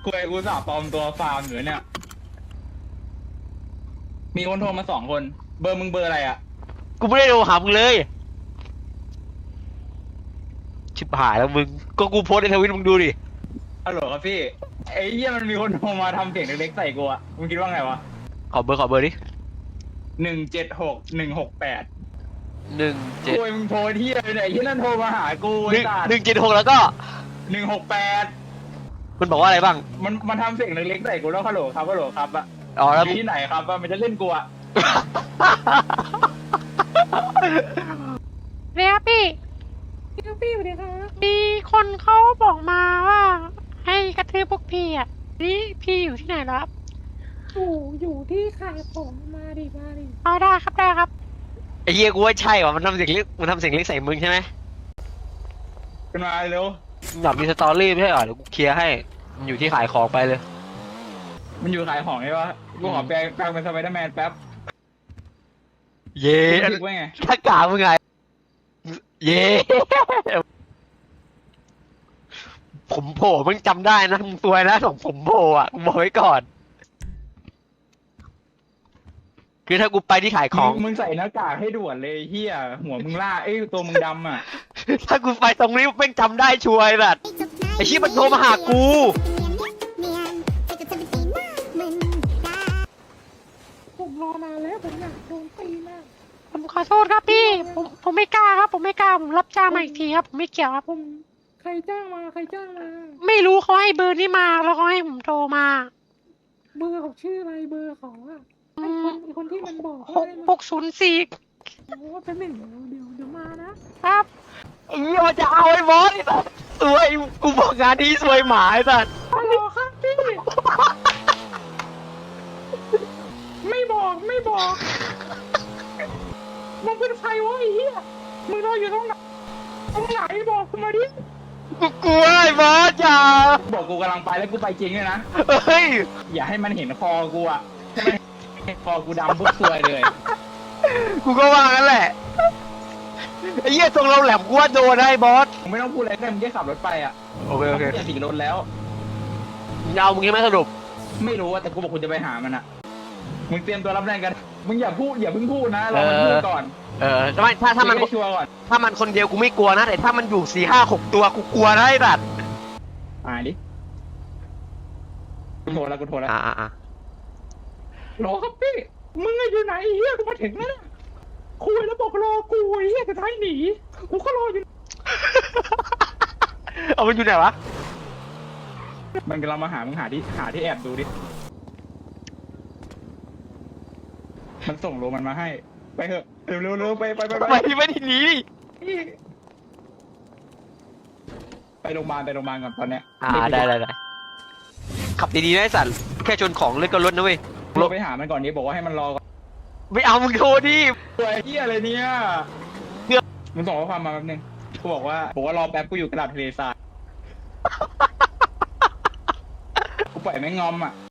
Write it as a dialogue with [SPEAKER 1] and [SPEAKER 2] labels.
[SPEAKER 1] กูสาปลอมตัวฟาร์มอยู่เนี่ยมีคนโทรมา2 คน เบอร์มึงเบอร์อะไรอ่ะ
[SPEAKER 2] กูไม่ได้โทรหามึงเลยชิบหายแล้วมึงก็กูโพสในทวิตมึงดูดิ
[SPEAKER 1] ฮัลโหลครับพี่ไอ้เหี้ยมันมีคนโทรมาทำเสียงเล็กๆใส่กูอ่ะมึงคิดว่าไงวะ
[SPEAKER 2] ขอเบอร์ดิ
[SPEAKER 1] 176168
[SPEAKER 2] 17
[SPEAKER 1] กูมึงโทรที่อะไรเนี่ยไอ้ที่นั่นโทรมาหากู
[SPEAKER 2] 176แล้วก็
[SPEAKER 1] 168
[SPEAKER 2] มันบอกว่าอะไรบ้าง
[SPEAKER 1] มันทำเสียงเล็กๆใส่กูแล้วฮัลโหลครับอะ
[SPEAKER 2] อ๋อแล้ว
[SPEAKER 1] ที่ไหนครับว่ามันจะเล่นกูอะ
[SPEAKER 3] เรียกพี่สวัสดีครับมีคนเขาบอกมาว่าให้กระทืบพวกพี่อ่ะนี่พี่อยู่ที่ไหนแล้วครับ
[SPEAKER 4] อยู่ที่ขายของมาดิ
[SPEAKER 3] เอาได้ครับ
[SPEAKER 2] ไอ้เหี้ยกูว่าใช่ว่ะมันทำเสียงเล็กใส่มึงใช่ไหม
[SPEAKER 1] ขึ้นมาเร็ว
[SPEAKER 2] อยากมีสตอรี่ไม่ใช่เหรอเดี๋ยวกูเคลียร์ให้มันอยู่ที่ขายของไปเลย
[SPEAKER 1] มันอยู่ขายของใช่ปะกูขอแปลงเป็นสไปเดอร์แมนแป๊บ
[SPEAKER 2] เย่ถ้ากามึงไงเย่ผมโผล่มึงจำได้นะมึงซวยนะของผมโผล่อ่ะกูบอกไว้ก่อนคือถ้ากูไปที่ขายของ
[SPEAKER 1] มึงใส่หน้ากากให้ด่วนเลยเฮียหัวมึงล่าตัวมึงดำอ่ะ
[SPEAKER 2] ถ้ากูไปตรงนี้แม่งจำได้ช่วยแบบไอ้ชี้มันโทรมาหากู
[SPEAKER 4] ผมรอนานแล้วผมอยากโดนตีมาก
[SPEAKER 3] ผมขอโทษครับพี่ผมไม่กล้าครับผมไม่กล้าผมรับจ้างมาอีกทีครับผมไม่เกี่ยวครับ
[SPEAKER 4] ผมใครจ้างมา
[SPEAKER 3] ไม่รู้เขาให้เบอร์นี้มาแล้วเขาให้ผมโทรมา
[SPEAKER 4] เบอร์เขาชื่ออะไรเบอร์เขาอะไอ้คนที่มันบอก
[SPEAKER 3] 604
[SPEAKER 4] โอ้เป็นหนึ่งเดี๋ยวมานะครับ
[SPEAKER 2] ไอ้เหี้ยมันจะเอาไอ้บอสไอ้สัสสวยกูบอกงานนี้สวยหมาไอ้สัส
[SPEAKER 4] ฮัลโหลครับพี่ไม่บอกมึงเป็นใครวะไอ้เหี้ยมึงรออยู่ตรงไหนบอกกูมาดิ
[SPEAKER 2] กูกลัวไอ้บอสอย่า
[SPEAKER 1] บอกกูกำลังไปแล้วกูไปจริงเลยนะ
[SPEAKER 2] เฮ้ย
[SPEAKER 1] อย่าให้มันเห็นคอกูอ่ะให้มันเห็นคอกูดำปุ๊บซวยเลย
[SPEAKER 2] กูก็ว่างั้นแหละไอ้เหี้ยตรงเราแหลมกูว่าโดนไอ้บอส
[SPEAKER 1] มึงไม่ต้องพูดอะไรแต่มึงแค่ขับรถไปอ่ะ
[SPEAKER 2] โอเค
[SPEAKER 1] เปลี่ยนสีรถแล้ว
[SPEAKER 2] มึงยังไม่สรุป
[SPEAKER 1] ไม่รู้แต่กูบอกคุณจะไปหามันอ่ะมึงเตรียมตัวรับแรงกันมึงอย่าเพิ่งพูดนะเราพูดก่อน
[SPEAKER 2] ถ้ามัน
[SPEAKER 1] ชัวร์ก่อน
[SPEAKER 2] ถ้ามันคนเดียวกูไม่กลัวนะแต่ถ้ามันอยู่4-5-6ตัวกูกลัวนะไอ้สัส
[SPEAKER 1] ดิกูโทรแล้วรอครับพี่มึงอยู่ไหนเฮียกูมาถึงแล้วคุยแล้วบอกรอกูเฮียจะท้ายหนีกูก็รออยู่
[SPEAKER 2] เอามันอยู่ไหนวะ
[SPEAKER 1] มันกำลังมาหามึงหาที่แอบดูดิมันส่งโลมันมาให้ไปเถอะเร็วไป
[SPEAKER 2] ไม่ทีนี้
[SPEAKER 1] ไปโรงพยาบาลก่อนตอนเนี้ย
[SPEAKER 2] ได้ขับดีๆนะไอ้สัตว์แค่ชนของเล็กก็ลดนะเว้ย
[SPEAKER 1] ลงไปหามันก่อนนี้บอกว่าให้มันรอก่อน
[SPEAKER 2] ไม่เอามึงโทรดิ
[SPEAKER 1] ตัวไอ้เหี้ยอะไรเนี่ยมึงส่งข้อความมาแป๊บนึงกูบอกว่ารอแป๊บกูอยู่กระดาษทะเลทรายกูปล่อยแม่งงอมอ่ะ